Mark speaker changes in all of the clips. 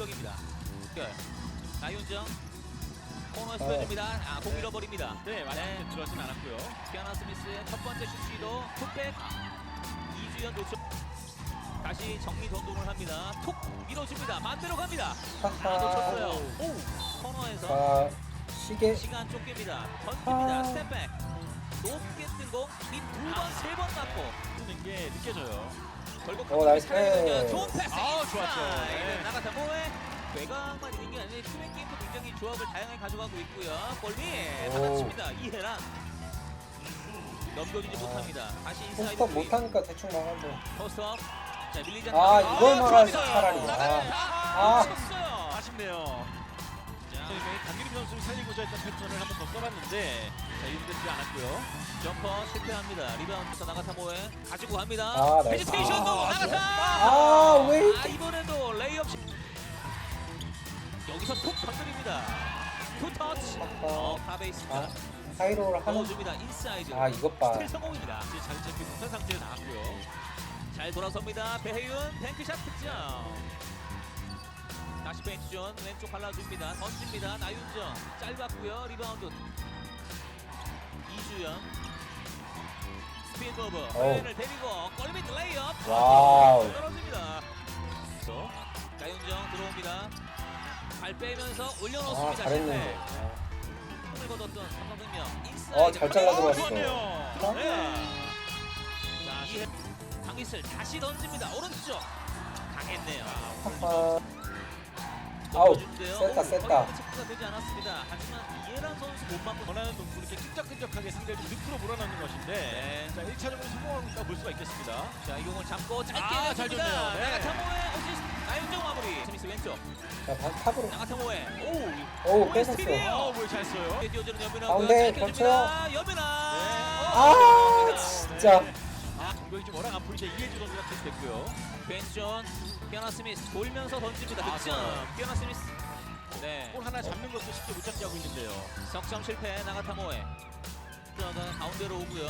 Speaker 1: 공격입니다. 나윤정 코너에서 빼줍니다. 공 잃어버립니다.
Speaker 2: 네, 많이 들어가진 않았고요.
Speaker 1: 키아나 스미스의 첫 번째 슛 시도 툭백. 이주연 놓쳐 다시 정리 전동을 합니다. 톡 밀어줍니다. 반대로 갑니다. 놓쳤어요. 오 코너에서 시간 쫓깁니다. 던집니다. 스텝백 높게 뜬 공 두 번 세 번 맞고
Speaker 2: 뜨는 게 느껴져요.
Speaker 1: 결국
Speaker 3: 나이스.
Speaker 1: 좋은 패스.
Speaker 2: 좋았죠. 네.
Speaker 1: 나가타모의 외곽만 있는 게 아니라 투맨 게임도 굉장히 조합을 다양하게 가져가고 있고요. 골밑
Speaker 3: 오.
Speaker 1: 받아칩니다. 이해랑 넘겨주지 못합니다. 다시 인사이드
Speaker 3: 포스터 못하니까 대충 막았네.
Speaker 1: 포스트업. 자 밀리지
Speaker 3: 아,
Speaker 1: 않고
Speaker 3: 이걸 막아야지
Speaker 1: 들어갑니다.
Speaker 3: 차라리.
Speaker 1: 나가타 쳤어요.
Speaker 2: 아쉽네요. 강유림 선수를 살리고자 했던 패턴을 한 번 더 써봤는데 이름되지 않았고요.
Speaker 1: 점퍼 실패합니다. 리바운드 나가타모에 가지고 갑니다.
Speaker 3: 아, 나이스.
Speaker 1: 헤지테이션도 나가타.
Speaker 3: 왜
Speaker 1: 이번에도 레이업 여기서 톡 건드립니다. 투 터치. 카베이스입니다.
Speaker 3: 하이로를 하는.
Speaker 1: 넣어줍니다. 인사이드.
Speaker 3: 이것 봐.
Speaker 1: 스틸 성공입니다.
Speaker 2: 이제 자리 잡기 못한 상태에 나왔고요.
Speaker 1: 잘 돌아섭니다. 배혜윤 뱅크샷 득점. 다시 벤치존 왼쪽 발라줍니다. 던집니다. 나윤정 짧았고요. 리바운드 이주영 스피드오버 배혜윤을 데리고 골밑 레이업.
Speaker 3: 와우.
Speaker 1: 떨어집니다. 나윤정 들어옵니다. 발 빼면서 올려놓습니다.
Speaker 3: 잘했는데.
Speaker 1: 힘을 거뒀던 삼성생명 인사이드.
Speaker 3: 잘 잘라 들어갔어.
Speaker 2: 좋았네요.
Speaker 1: 네. 자, 이해 강희슬 다시 던집니다. 오른쪽 강했네요.
Speaker 3: 아우,
Speaker 1: 넘겨주는데요.
Speaker 3: 셌다, 셌다.
Speaker 1: 체크가 되지 않았습니다. 하지만 이해란 선수 못 맞고
Speaker 2: 원하는 동부 이렇게 끈적끈적하게 상대를 좀 늪으로 몰아넣는 것인데 자 1차적으로 성공하고 있다고 볼 수가 있겠습니다.
Speaker 1: 자, 이 공을 잡고 짧게
Speaker 2: 잘
Speaker 1: 냅니다.
Speaker 2: 줬네요. 네.
Speaker 1: 나가타모의 어시스트 나윤정 마무리. 스미스 왼쪽
Speaker 3: 탑으로.
Speaker 1: 나가타모의
Speaker 3: 오, 뺏었어.
Speaker 1: 스틸이에요.
Speaker 2: 뭘 잘 써요.
Speaker 1: 뛰어주는 여민아.
Speaker 3: 가운데 겹쳐요.
Speaker 1: 여민아.
Speaker 3: 진짜.
Speaker 2: 공격이 좀 워낙 안 풀리자 이해주 선수가 됐고요.
Speaker 1: 벤션 피아나 스미스 돌면서 던집니다. 득점.
Speaker 2: 좋아요.
Speaker 1: 피아나 스미스. 네.
Speaker 2: 골 하나 잡는 것도 쉽게 못 잡게 하고 있는데요.
Speaker 1: 석점 실패. 나가타모에 들어가 가운데로 오고요.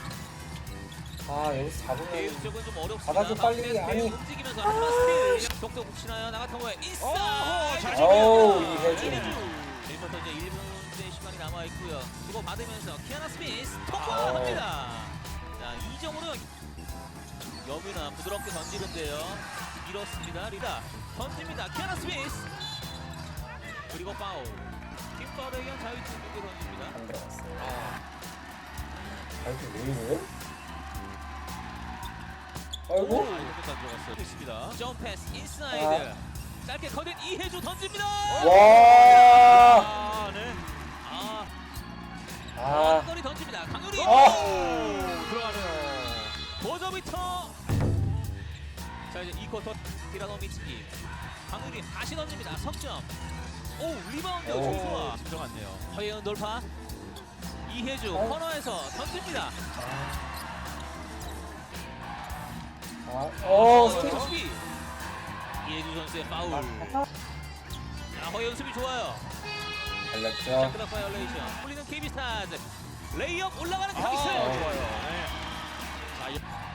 Speaker 3: 여기서 잡으면.
Speaker 1: 배윤 쪽은 좀 어렵습니다.
Speaker 3: 받아줘, 빨리.
Speaker 1: 가운데에서
Speaker 3: 아니.
Speaker 1: 배윤 움직이면서 하지만 스틸. 속도 붙이나요? 나가타모에 인사이드.
Speaker 2: 잘
Speaker 3: 이해주.
Speaker 1: 1부터 이제 1분의 시간이 남아 있고요. 주고 받으면서 키아나 스미스 통과합니다. 자, 2점으로 여민아 부드럽게 던지는데요. 밀었습니다. 리다 던집니다. 키아나 스미스. 그리고 파울. 팀 파울에 의한 자유투 두개 던집니다.
Speaker 3: 안 들어갔어. 이렇게 왜 이래? 아이고.
Speaker 2: 이렇게 다 들어갔어요. 됐습니다.
Speaker 1: 점 패스 인사이드. 짧게 커든 이해주 던집니다.
Speaker 3: 와.
Speaker 2: 네.
Speaker 1: 거리 던집니다. 강유리.
Speaker 2: 들어가네요.
Speaker 1: 버저비터. 자, 이제 2쿼터 디라노미츠키. 강유리 다시 던집니다. 석점. 리바운드 조수아.
Speaker 2: 진정하네요.
Speaker 1: 허예은 돌파. 이혜주 코너에서 던집니다.
Speaker 3: 스틸.
Speaker 1: 수비. 이혜주 선수의 파울. 자, 허예은 수비 좋아요.
Speaker 3: 달렸죠.
Speaker 1: 샤크닥 바이올레이션. 풀리는 KB스타즈. 레이업 올라가는 강희슬.
Speaker 2: 좋아요. 네. 자,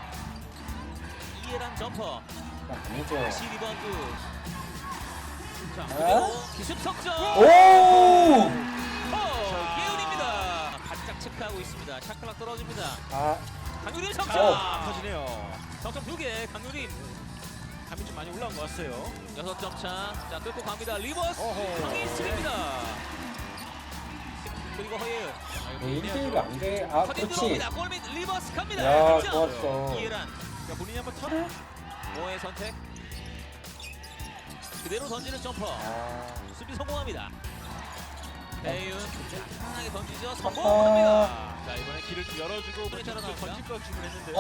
Speaker 1: 이해란 점퍼.
Speaker 3: 아니죠.
Speaker 1: 다시 리바운드. 자,
Speaker 3: 아?
Speaker 1: 그대로 기습 석점.
Speaker 3: 오!
Speaker 1: 예은입니다. 바짝 체크하고 있습니다. 샤클락 떨어집니다. 강유림 석점.
Speaker 2: 터지네요.
Speaker 1: 석점 2개. 강유림
Speaker 2: 감이 좀 많이 올라온 것 같아요.
Speaker 1: 6점 차. 자, 뚫고 갑니다. 리버스
Speaker 2: 어허.
Speaker 1: 강희슬입니다. 그리고 허예은.
Speaker 3: 1대1가 안 돼.
Speaker 1: 커딩
Speaker 3: 그렇지.
Speaker 1: 들어옵니다. 골밑 리버스 갑니다.
Speaker 3: 야,
Speaker 1: 득점.
Speaker 3: 좋았어.
Speaker 1: 이해란.
Speaker 2: 자, 본인이 한번 턴을
Speaker 1: 모의 선택. 그대로 던지는 점퍼. 수비 성공합니다. 배윤 편하게 던지죠. 성공합니다.
Speaker 2: 자, 이번에 길을 좀 열어주고
Speaker 1: 볼이 따라 나옵니다.
Speaker 2: 던질 걸 주문했는데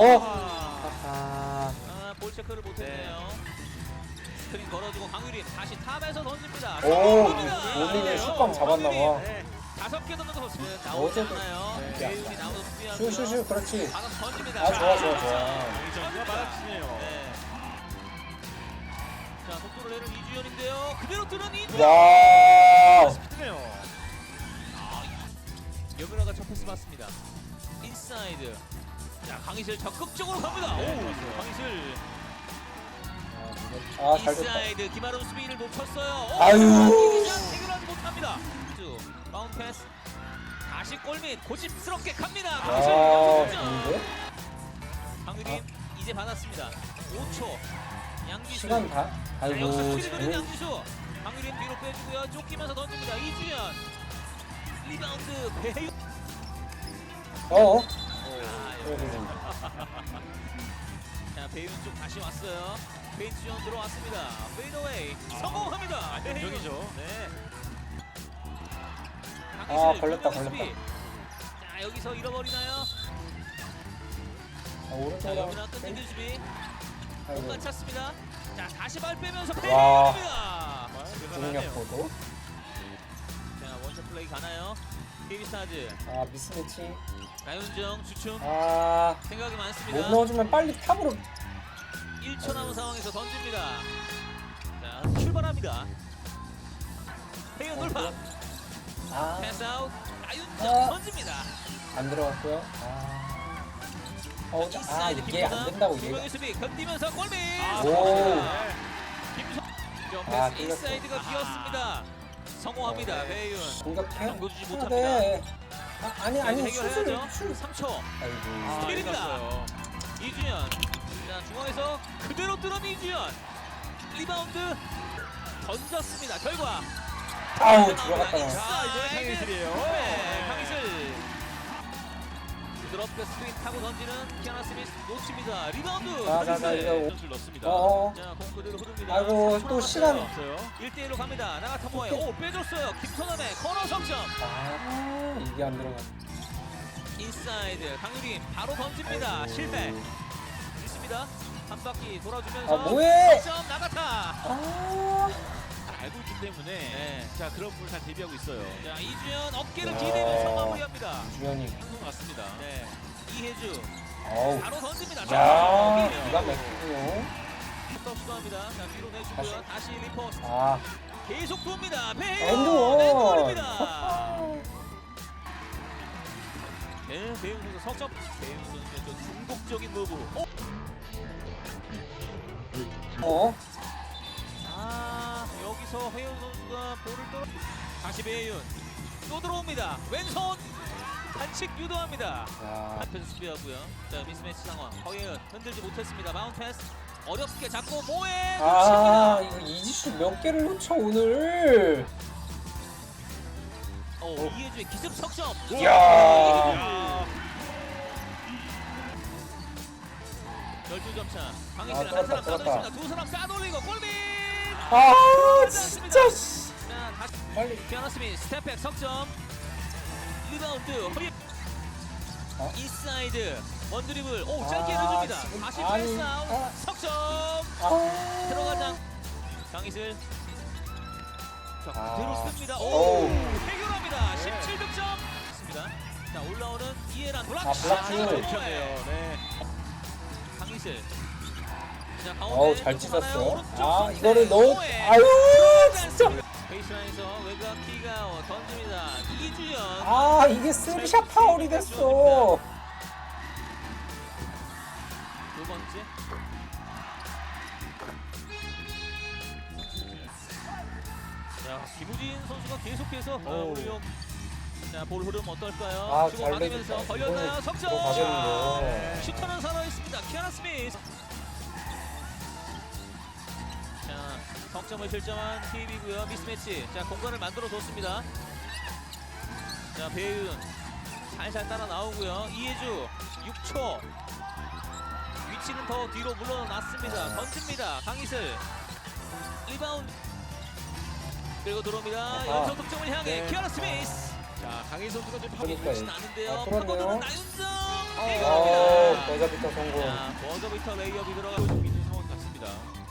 Speaker 1: 볼 체크를 못했네요. 스크린 걸어주고 강유림 다시 탑에서 던집니다.
Speaker 3: 오,
Speaker 1: 성공합니다.
Speaker 3: 우민이 슛감 잡았나 봐.
Speaker 2: 네.
Speaker 1: 5개 던져서 나오지
Speaker 3: 어제도-
Speaker 1: 않아요.
Speaker 2: 네.
Speaker 1: 배윤이 나오서 수비하고요.
Speaker 3: 슈슈슈, 그렇지.
Speaker 1: 받아서 던집니다.
Speaker 3: 좋아.
Speaker 2: 이정도가 받아치네요.
Speaker 1: 네. 자, 속도를 내는 이주연인데요. 그대로 뜨는 이주연.
Speaker 3: 와.
Speaker 2: 스피드네요.
Speaker 1: 여민아가 첫 패스 받습니다. 인사이드. 자, 강희슬 적극적으로 갑니다. 오, 강희슬.
Speaker 3: 아, 잘 됐다.
Speaker 1: 인사이드 김아름 수비를 놓쳤어요. 오,
Speaker 3: 아유.
Speaker 1: 이기장 해결하지 못합니다. 바운드 패스. 다시 골밑 고집스럽게 갑니다.
Speaker 3: 아,
Speaker 1: 강희슬
Speaker 3: 좋은데?
Speaker 1: 강유림 이제 받았습니다. 5초. 양기수.
Speaker 3: 시간 다?
Speaker 1: 자,
Speaker 3: 아이고,
Speaker 1: 여기서 수비를 노린
Speaker 3: 재능.
Speaker 1: 양기수. 강유림 뒤로 빼주고요. 쫓기면서 던집니다. 이주연. 리바운드 배유.
Speaker 3: 어?
Speaker 1: 아, 자, 배윤 쪽 다시 왔어요. 페인트 전 들어왔습니다. 페이드웨이 성공합니다.
Speaker 2: 안정적이죠.
Speaker 1: 네.
Speaker 3: 아, 걸렸다,
Speaker 1: 자,
Speaker 3: 걸렸다.
Speaker 1: 여기서 잃어버리나요?
Speaker 3: 아,
Speaker 1: 자,
Speaker 3: 오른쪽으로.
Speaker 1: 여기나 끝내기 수비.
Speaker 3: 아이고,
Speaker 1: 못 찼습니다. 자, 다시 발 빼면서
Speaker 3: 와.
Speaker 1: 페이드입니다.
Speaker 3: 중력 포도.
Speaker 1: 자, 원샷 플레이 가나요? KB스타즈.
Speaker 3: 아, 미스매치.
Speaker 1: 나윤정 주춤.
Speaker 3: 아,
Speaker 1: 생각이
Speaker 3: 못
Speaker 1: 많습니다.
Speaker 3: 넣어주면 빨리 탑으로.
Speaker 1: 1초 남은 상황에서 던집니다. 자, 출발합니다. 페이드 돌파.
Speaker 3: 아,
Speaker 1: 패스 아웃. 나윤정
Speaker 3: 아.
Speaker 1: 던집니다.
Speaker 3: 안 들어갔고요. 아, 이게 안 된다고 얘가.
Speaker 1: 김성희 수비 견디면서 골밑.
Speaker 3: 오.
Speaker 1: 김성.
Speaker 3: 아,
Speaker 1: 패스 인사이드가 비었습니다. 성공합니다. 배윤.
Speaker 3: 공격해.
Speaker 1: 정도 주지
Speaker 3: 해야
Speaker 1: 못합니다.
Speaker 3: 돼. 아니,
Speaker 1: 해결해야죠.
Speaker 3: 슛을.
Speaker 1: 3초.
Speaker 3: 아이고.
Speaker 1: 스틸입니다. 이주연. 자, 중앙에서 그대로 뚫은 이주연. 리바운드 던졌습니다. 결과.
Speaker 3: 아우, 들어갔다.
Speaker 2: 자, 이번엔 강희슬이에요.
Speaker 1: 네, 강희슬. 부드럽게 스크린 타고 던지는 키아나 스미스 놓칩니다. 리바운드.
Speaker 3: 자,
Speaker 1: 강희슬.
Speaker 3: 이거.
Speaker 2: 선수를 넣습니다.
Speaker 3: 어어.
Speaker 1: 자, 공 그대로 흐릅니다.
Speaker 3: 아이고,
Speaker 1: 3초
Speaker 3: 또
Speaker 1: 남았어요.
Speaker 3: 시간.
Speaker 2: 없어요.
Speaker 1: 1대1로 갑니다. 나가타모에 오 빼줬어요. 김선남의 코너 석점.
Speaker 3: 아, 이게 안 들어갔네.
Speaker 1: 인사이드 강유림 바로 던집니다.
Speaker 3: 아이고.
Speaker 1: 실패. 있습니다. 한 바퀴 돌아주면서
Speaker 3: 아, 뭐해?
Speaker 1: 석점 나가타.
Speaker 3: 아,
Speaker 2: 알고 있기 때문에
Speaker 1: 네.
Speaker 2: 자 그런 부분을 잘 대비하고 있어요.
Speaker 1: 자, 이주연 어깨를
Speaker 3: 야.
Speaker 1: 기대면서 마무리합니다.
Speaker 3: 주현이.
Speaker 2: 한것 같습니다.
Speaker 1: 네. 이혜주
Speaker 3: 어우.
Speaker 1: 바로 던집니다.
Speaker 3: 야,
Speaker 1: 자,
Speaker 3: 기가 막히군요.
Speaker 1: 또 시도합니다. 자, 뒤로 내주고요. 다시 리포스트.
Speaker 3: 아,
Speaker 1: 계속 돕니다. 배우
Speaker 3: 엔드원.
Speaker 1: 엔드원입니다. 네, 배우 선수 석점. 배우 선수의 좀 중독적인 무브.
Speaker 3: 어?
Speaker 1: 아, 여기서 회윤 선수가 볼을 떨어. 다시 배윤 또 들어옵니다. 왼손 반칙 유도합니다.
Speaker 3: 야,
Speaker 1: 앞에서 수비하고요. 자, 미스매치 상황. 허예은 흔들지 못했습니다. 마운트 패스 어렵게 잡고 모에
Speaker 3: 아,
Speaker 1: 놓칩니다.
Speaker 3: 이거 이지수 몇 개를 놓쳐 오늘.
Speaker 1: 이해주의 기습 석점.
Speaker 3: 이야.
Speaker 1: 12점 차.
Speaker 3: 아,
Speaker 1: 강희슬 한
Speaker 3: 뚫었다,
Speaker 1: 사람
Speaker 3: 뚫었다.
Speaker 1: 따돌습니다. 두 사람 싸돌리고 골밑.
Speaker 3: 아, 진짜. 씨.
Speaker 1: 자, 다시
Speaker 3: 빨리.
Speaker 1: 피아노 스미스 스텝백 석점. 리바운드 허리.
Speaker 3: 어?
Speaker 1: 인사이드 원드리블. 오, 짧게
Speaker 3: 아,
Speaker 1: 해줍니다.
Speaker 3: 지금
Speaker 1: 다시
Speaker 3: 아니,
Speaker 1: 패스 아웃.
Speaker 3: 아.
Speaker 1: 석점.
Speaker 3: 아,
Speaker 1: 들어가자. 강희슬. 자,
Speaker 3: 아.
Speaker 1: 그대로 씁니다. 오,
Speaker 3: 오우.
Speaker 1: 해결합니다. 17득점. 있습니다. 자, 올라오는 이해란 블락.
Speaker 3: 아, 블락 슛.
Speaker 2: 좋네요. 네.
Speaker 1: 강희슬. 자, 가운데
Speaker 3: 어우, 잘
Speaker 1: 조금
Speaker 3: 찢었어.
Speaker 1: 하나요? 오른쪽
Speaker 3: 아,
Speaker 1: 선택.
Speaker 3: 이거를 넣어.
Speaker 1: 오해.
Speaker 3: 아유,
Speaker 1: 들어가지
Speaker 3: 진짜.
Speaker 1: 않습니다. 베이스라인에서 외곽 키가 던집니다. 이주연.
Speaker 3: 아, 이게 쓰리샷 파울이 됐어.
Speaker 1: 두 번째. 자, 김우진 선수가 계속해서
Speaker 2: 오.
Speaker 1: 우리용. 자, 볼 흐름 어떨까요?
Speaker 3: 아,
Speaker 1: 주고
Speaker 3: 잘
Speaker 1: 받으면서
Speaker 3: 내줬다.
Speaker 1: 걸렸나요?
Speaker 3: 이번에
Speaker 1: 석점.
Speaker 3: 들어가겠는데.
Speaker 1: 슈터는 살아 있습니다. 키아나 스미스. 자, 석점을 실점한 KB고요. 미스매치. 자, 공간을 만들어 줬습니다. 자, 배윤 살살 따라 나오고요. 이해주 6초. 위치는 더 뒤로 물러났습니다. 던집니다. 강희슬. 리바운드. 그리고 들어옵니다.
Speaker 3: 아하.
Speaker 1: 연속 득점을 향해
Speaker 2: 네.
Speaker 1: 키아나 스미스.
Speaker 2: 자 강희 선수가 좀
Speaker 3: 그러니까요.
Speaker 1: 보이진 않은데요.
Speaker 3: 아, 그러네요.
Speaker 1: 파고드는 나윤정.
Speaker 3: 어,
Speaker 1: 해결합니다.
Speaker 3: 버저비터 성공.
Speaker 1: 자, 버저비터 레이업이 들어가고
Speaker 2: 보여주고 있는 상황 같습니다.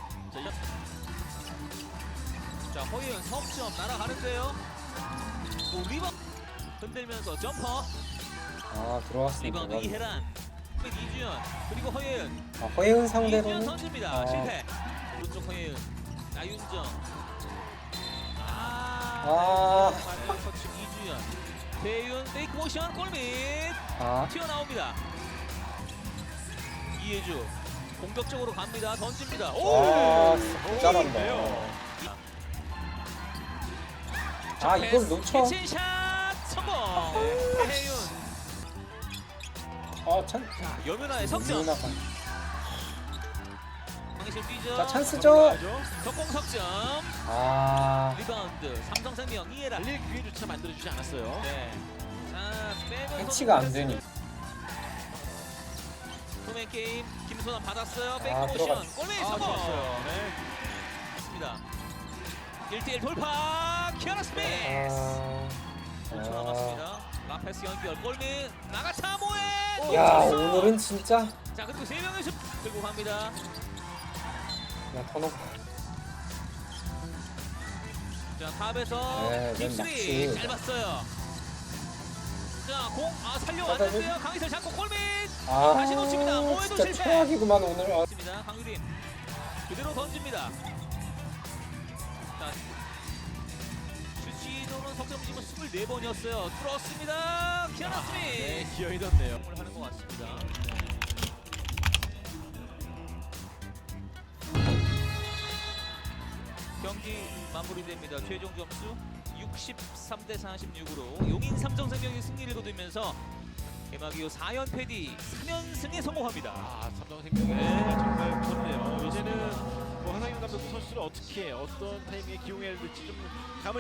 Speaker 1: 자, 허예은 석점 날아가는데요. 또 리바운드 흔들면서 점퍼.
Speaker 3: 아, 들어왔습니다.
Speaker 1: 리바운드 이혜란. 이주연 그리고 허예은.
Speaker 3: 아, 허예은
Speaker 1: 이주연
Speaker 3: 상대로는
Speaker 1: 던집니다.
Speaker 3: 아.
Speaker 1: 실패. 오른쪽 허예은. 나윤정.
Speaker 3: 아.
Speaker 1: 터치 이주연. 배윤 페이크 모션 골밑.
Speaker 3: 아,
Speaker 1: 튀어나옵니다. 이해주 공격적으로 갑니다. 던집니다.
Speaker 3: 와,
Speaker 1: 오!
Speaker 3: 진짜 잘한다. 아, 이걸 놓쳐.
Speaker 1: 캐치샷 성공. 해윤.
Speaker 3: 아, 찬.
Speaker 1: 자, 여민아의 석점.
Speaker 3: 유나가.
Speaker 1: 강희실 뛰죠.
Speaker 3: 자, 찬스죠.
Speaker 1: 석공 석점.
Speaker 3: 아,
Speaker 1: 리바운드. 삼성생명 이해라.
Speaker 2: 달릴 기회조차 만들어주지 않았어요.
Speaker 1: 네. 자, 빼면서
Speaker 3: 패치가 안 되니.
Speaker 1: 투맨 게임. 김소남 받았어요. 백
Speaker 3: 아,
Speaker 1: 모션.
Speaker 3: 들어갔어.
Speaker 1: 골밑
Speaker 2: 아,
Speaker 1: 성공.
Speaker 2: 좋았어요. 네.
Speaker 1: 있습니다. 1대1 돌파. 키아나 스미스.
Speaker 3: 아,
Speaker 1: 5초 남았습니다. 라페스 연결. 골밑. 나가타 모에.
Speaker 3: 야,
Speaker 1: 쳤어요.
Speaker 3: 오늘은 진짜.
Speaker 1: 자, 그리고 3명의 슛 들고 갑니다.
Speaker 3: 야, 턴오버.
Speaker 1: 자, 탑에서
Speaker 3: 네,
Speaker 1: 딥스리
Speaker 3: 맨 낚시.
Speaker 1: 짧았어요. 자, 공
Speaker 3: 받아줘.
Speaker 1: 살려왔는데요. 강희철 잡고 골밑.
Speaker 3: 아,
Speaker 1: 다시 놓칩니다. 모에도
Speaker 3: 진짜
Speaker 1: 실패.
Speaker 3: 최악이구만 오늘. 아,
Speaker 1: 있습니다. 강유림 그대로 던집니다. 자, 슈시도는 석점 지금 24번이었어요. 뚫었습니다. 키아나
Speaker 2: 네,
Speaker 1: 스미스.
Speaker 2: 기어이 던네요.
Speaker 1: 을 하는 것 같습니다. 경기 마무리됩니다. 최종 점수 63대 46으로 용인 삼성생명이 승리를 거두면서 개막 이후 4연패 뒤 3연승에 성공합니다.
Speaker 2: 아, 삼성생명이 정말 무섭네요. 이제는 뭐 하상현 감독도 선수를 어떻게 어떤 타이밍에 기용해야 될지 좀 감을